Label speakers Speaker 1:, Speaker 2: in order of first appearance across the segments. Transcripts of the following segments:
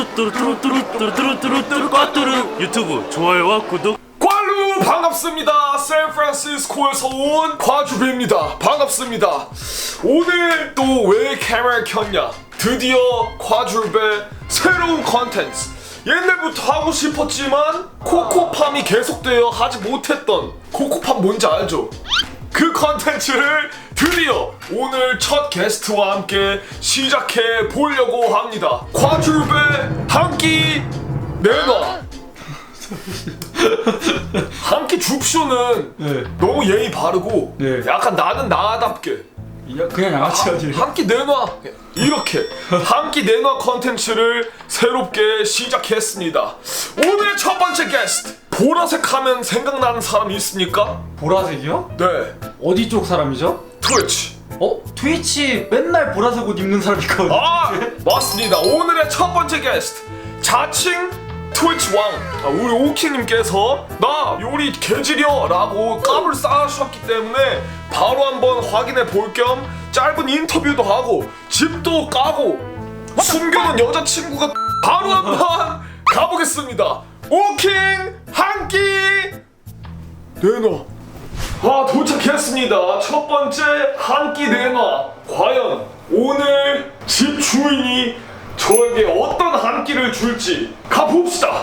Speaker 1: 뚜루뚜루뚜루뚜루뚜루뚜루뚜루 꽈뚜루 유튜브 좋아요와 구독.
Speaker 2: 꽈루 반갑습니다. 샌프란시스코에서 온 과주배입니다. 반갑습니다. 오늘 또 왜 카메라를 켰냐? 드디어 과주배 새로운 컨텐츠. 옛날부터 하고 싶었지만 코코팜이 계속되어 하지 못했던 코코팜 뭔지 알죠? 그 컨텐츠를 드디어 오늘 첫 게스트와 함께 시작해 보려고 합니다. 과주배 한 끼 내놔. 한 끼 줍쇼는
Speaker 3: 네.
Speaker 2: 너무 예의 바르고
Speaker 3: 네.
Speaker 2: 약간 나는 나답게
Speaker 3: 그냥 양아치 아니에요?
Speaker 2: 한 끼 내놔 이렇게 한 끼 내놔 컨텐츠를 새롭게 시작했습니다. 오늘의 첫 번째 게스트, 보라색 하면 생각나는 사람이 있습니까?
Speaker 3: 보라색이요?
Speaker 2: 네,
Speaker 3: 어디 쪽 사람이죠?
Speaker 2: 트위치.
Speaker 3: 트위치 맨날 보라색 옷 입는 사람 있거든요.
Speaker 2: 아, 맞습니다. 오늘의 첫 번째 게스트, 자칭 트위치 왕, 우리 오키님께서 나 요리 개지려 라고 깜을 쌓으셨기 때문에 바로 한번 확인해 볼 겸 짧은 인터뷰도 하고 집도 까고 숨겨놓은 여자친구가 바로 한번 가보겠습니다. 오킹 한 끼 내놔. 도착했습니다. 첫 번째 한 끼 내놔. 과연 오늘 집 주인이 저에게 어떤 한 끼를 줄지 가봅시다.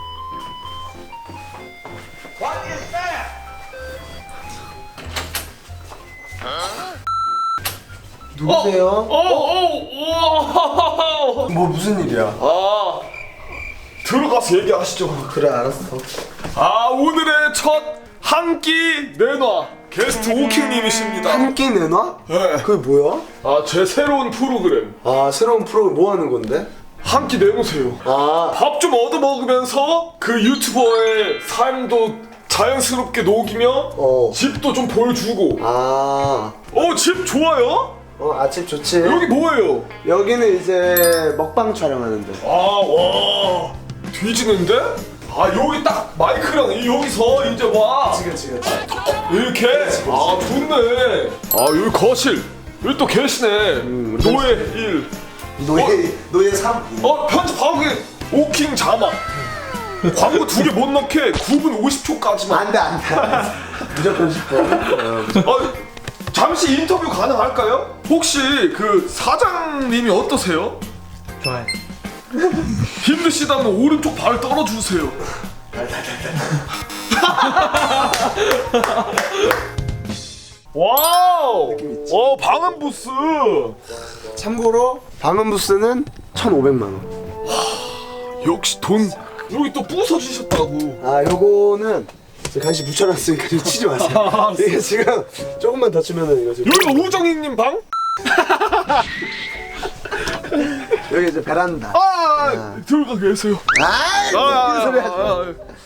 Speaker 4: 누구세요? 뭐 무슨 일이야?
Speaker 2: 들어가서 얘기하시죠.
Speaker 4: 그래 알았어.
Speaker 2: 오늘의 첫 한 끼 내놔 게스트 오킹님이십니다.
Speaker 4: 한 끼 내놔?
Speaker 2: 네.
Speaker 4: 그게 뭐야?
Speaker 2: 제 새로운 프로그램
Speaker 4: 새로운 프로그램 뭐 하는 건데?
Speaker 2: 한 끼 내놓으세요. 밥 좀 얻어 먹으면서 그 유튜버의 삶도 자연스럽게 녹이며 집도 좀 보여주고. 집 좋아요?
Speaker 4: 아침 좋지.
Speaker 2: 여기 뭐예요?
Speaker 4: 여기는 이제 먹방 촬영하는데.
Speaker 2: 와 뒤지는데? 여기 딱 마이크랑 여기서 이제 와
Speaker 4: 그치.
Speaker 2: 이렇게. 좋네. 여기 거실. 여기 또 계시네. 노예 1.
Speaker 4: 노예 3.
Speaker 2: 편집하고 오킹 자막. 광고 2개 못 넣게 9분 50초까지만.
Speaker 4: 안돼. 무조건 싶어.
Speaker 2: 잠시 인터뷰 가능할까요? 혹시 그 사장님이 어떠세요?
Speaker 3: 좋아요.
Speaker 2: 힘드시다면 오른쪽 발 떨어주세요. 와우! 방음 부스!
Speaker 4: 참고로 방음 부스는 1,500만 원.
Speaker 2: 역시 돈. 여기 또 부서지셨다고.
Speaker 4: 요거는 간식 붙여놨으니까 좀 치지 마세요. 이게 지금 조금만 더 치면은 이거 지금.
Speaker 2: 여기가 우정이님 방?
Speaker 4: 여기 이제 베란다.
Speaker 2: 들어가 계세요.
Speaker 4: 웃기는 소리 하지 마.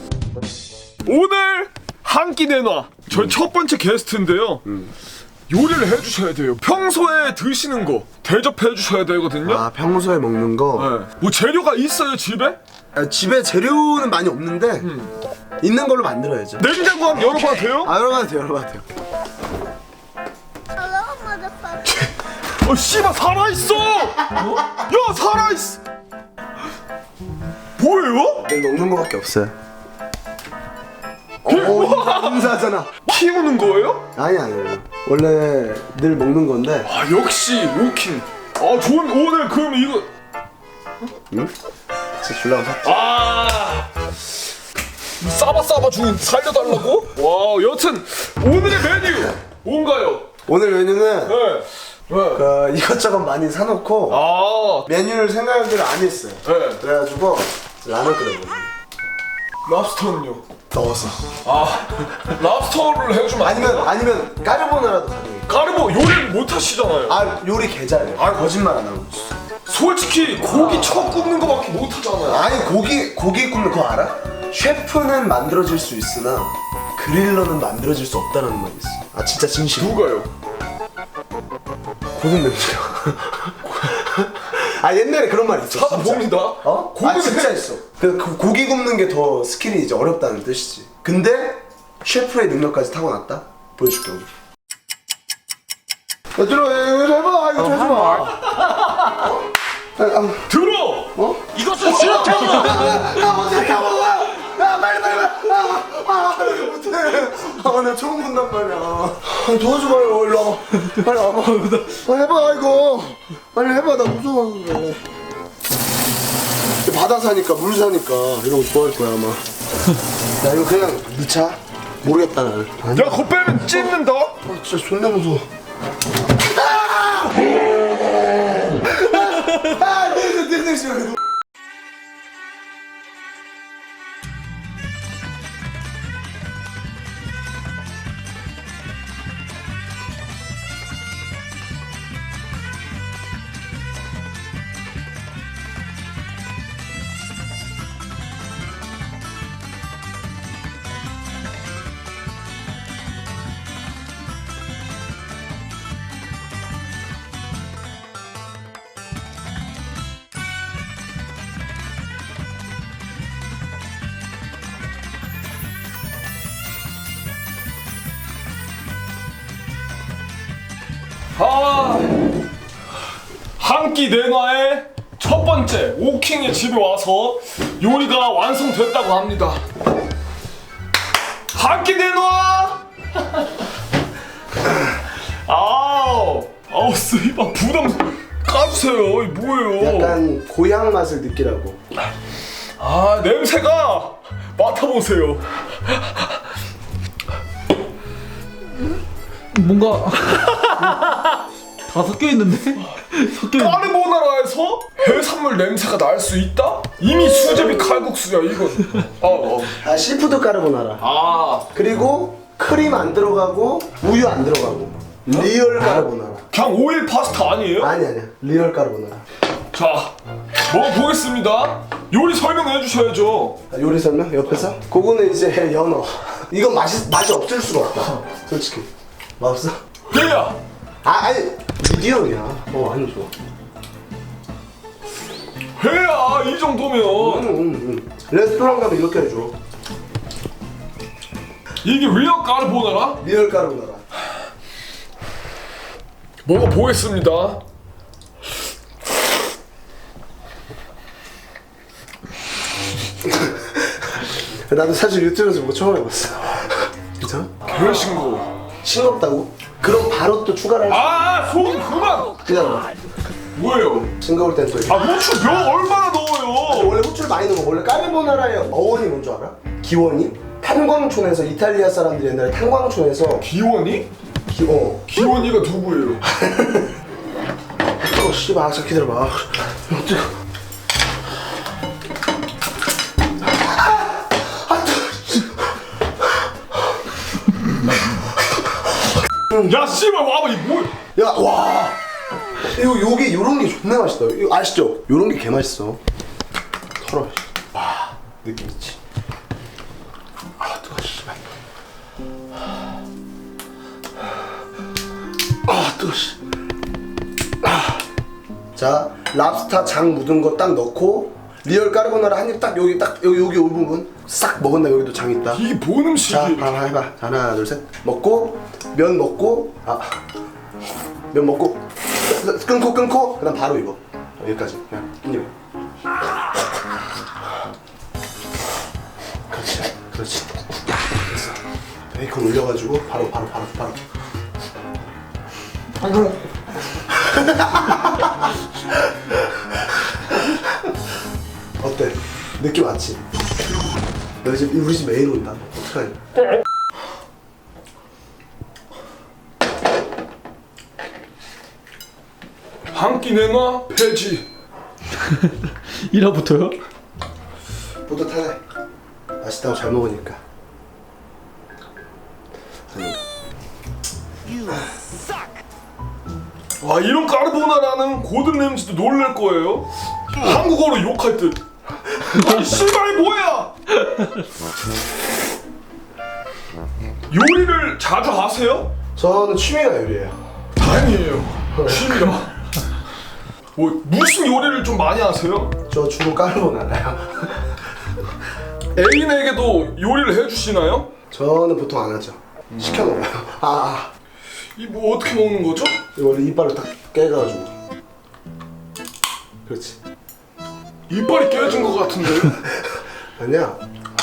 Speaker 2: 오늘 한 끼 내놔. 저희 첫 번째 게스트인데요. 요리를 해주셔야 돼요. 평소에 드시는 거 대접해 주셔야 되거든요.
Speaker 4: 평소에 먹는 거.
Speaker 2: 네. 뭐 재료가 있어요 집에?
Speaker 4: 집에 재료는 많이 없는데 있는 걸로 만들어야죠.
Speaker 2: 냉장고 한번 열어봐도 돼요?
Speaker 4: 열어봐도 돼요.
Speaker 2: 씨발 살아있어! 야 살아있어! 뭐예요?
Speaker 4: 늘 먹는 거밖에 없어요. 인사하잖아.
Speaker 2: 키우는 거예요?
Speaker 4: 아니 원래 늘 먹는 건데.
Speaker 2: 역시 오킹. 좋은. 오늘 그럼 이거
Speaker 4: 진짜 줄라고 샀지.
Speaker 2: 싸바 주인 살려달라고? 와 여튼 오늘의 메뉴 뭔가요?
Speaker 4: 오늘 메뉴는
Speaker 2: 네.
Speaker 4: 이것저것 많이 사놓고 메뉴를 생각을 안 했어요.
Speaker 2: 네.
Speaker 4: 그래가지고 라면 끓여먹어요.
Speaker 2: 랍스터는요?
Speaker 4: 넣어서.
Speaker 2: 랍스터를 해주면 안 돼요?
Speaker 4: 아니면 까르보나라도 가능해요.
Speaker 2: 까르보 요리를 못 하시잖아요.
Speaker 4: 요리 개잘해요. 거짓말 안 하고.
Speaker 2: 솔직히 고기 척 굽는 거밖에 못 하잖아요.
Speaker 4: 아니 고기 굽는 거 알아? 셰프는 만들어질 수 있으나 그릴러는 만들어질 수 없다는 말이 있어. 진짜 진심.
Speaker 2: 누가요?
Speaker 4: 고든 냄새가. 옛날에 그런 말 있어.
Speaker 2: 찾아봅니다.
Speaker 4: 고든 진짜 있어. 그 고기 굽는 게 더 스킬이 이제 어렵다는 뜻이지. 근데 셰프의 능력까지 타고났다. 보여줄게 오늘. 들어 해봐. 이거 좀 해봐.
Speaker 2: 들어! 이것은
Speaker 4: 못해. 나 처음 본단 말이야. 도와줘봐요. 일로 와봐. 빨리 와봐. 해봐 이거. 빨리 해봐. 나 무서워서 그래. 바다 사니까 물 사니까 이런 거 좋아할 거야 아마. 야 이거 그냥 넣자. 모르겠다 나는.
Speaker 2: 야 그거 빼면 찢는다.
Speaker 4: 진짜 존나 무서워. 네.
Speaker 2: 한 끼 내놔의 첫 번째 오킹의 집에 와서 요리가 완성됐다고 합니다. 한 끼 내놔. 아우 쓰이바 부담 까주세요. 이게 뭐예요?
Speaker 4: 약간 고향 맛을 느끼라고.
Speaker 2: 냄새가 맡아보세요.
Speaker 3: 뭔가 다 섞여 있는데? 섞여 있는.
Speaker 2: 까르보나라에서 해산물 냄새가 날 수 있다? 이미 수제비 칼국수야 이건.
Speaker 4: 시푸드 까르보나라. 그리고 크림 안 들어가고 우유 안 들어가고 리얼 까르보나라.
Speaker 2: 그냥 오일 파스타 아니에요?
Speaker 4: 아니야 리얼 까르보나라.
Speaker 2: 자, 먹어보겠습니다. 요리 설명해 주셔야죠.
Speaker 4: 요리 설명 옆에서? 그거는 이제 연어. 이건 맛이 없을 수가 없다. 솔직히 맛없어?
Speaker 2: 얘야,
Speaker 4: 아니 미디엄이야. 아니 좋아.
Speaker 2: 회야 이 정도면
Speaker 4: 레스토랑 가면 이렇게 해줘.
Speaker 2: 이게 리얼 까르보나라?
Speaker 4: 리얼 까르보나라.
Speaker 2: 먹어보겠습니다.
Speaker 4: 나도 사실 유튜브에서 보고 처음 해봤어. 괜찮아?
Speaker 2: 개신고.
Speaker 4: 싱겁다고? 그럼 바로 또 추가를 할 수.
Speaker 2: 소금 그만.
Speaker 4: 기다려봐.
Speaker 2: 뭐예요?
Speaker 4: 싱거울 땐 또 이렇게.
Speaker 2: 후추 몇 얼마나 넣어요?
Speaker 4: 원래 후추를 많이 넣어. 원래 까르보나라의 어원이 뭔 줄 알아? 기원이? 탄광촌에서 이탈리아 사람들이 옛날에 탄광촌에서
Speaker 2: 기원이? 기원이가 누구예요?
Speaker 4: 씨발 아까 기다려봐.
Speaker 2: 야 씨발 와봐 이 뭐야?
Speaker 4: 야, 와. 요게 요런 게 존나 맛있다. 이거 아시죠? 요런 게 개 맛있어. 털어. 와, 느낌 있지. 뜨거워, 씨발. 뜨거워, 씨. 자, 랍스타 장 묻은 거 딱 넣고 리얼 까르보나라 한 입 딱 여기 이 부분 싹 먹은 다음에 여기도 장 있다.
Speaker 2: 이게 뭔 음식이?
Speaker 4: 자, 해봐. 자, 하나, 둘, 셋. 먹고 면 먹고 면 먹고 끊고 그다음 바로 이거 여기까지 그냥 깻잎. 그렇지. 됐어. 베이컨 올려가지고 바로. 어때? 느낌 왔지? 너 이제 우리 집 메인 온다. 어떡하냐?
Speaker 2: 한 끼 내놔 폐지.
Speaker 3: 1화부터요?
Speaker 4: 뿌듯하네. 맛있다고 잘 먹으니까.
Speaker 2: 와 이런 까르보나라는 고든 램지도 놀랄 거예요. 한국어로 욕할 듯. 아니 씨발 뭐야? 요리를 자주 하세요?
Speaker 4: 저는 취미가 요리예요.
Speaker 2: 다행이에요. 취미라. 뭐 무슨 요리를 좀 많이 하세요?
Speaker 4: 저 주로 까르보나라요.
Speaker 2: 애인에게도 요리를 해주시나요?
Speaker 4: 저는 보통 안 하죠. 시켜 먹어요.
Speaker 2: 이 뭐 어떻게 먹는 거죠?
Speaker 4: 이거 원래 이빨을 딱 깨가지고. 그렇지.
Speaker 2: 이빨이 깨진 것 같은데요?
Speaker 4: 아니야.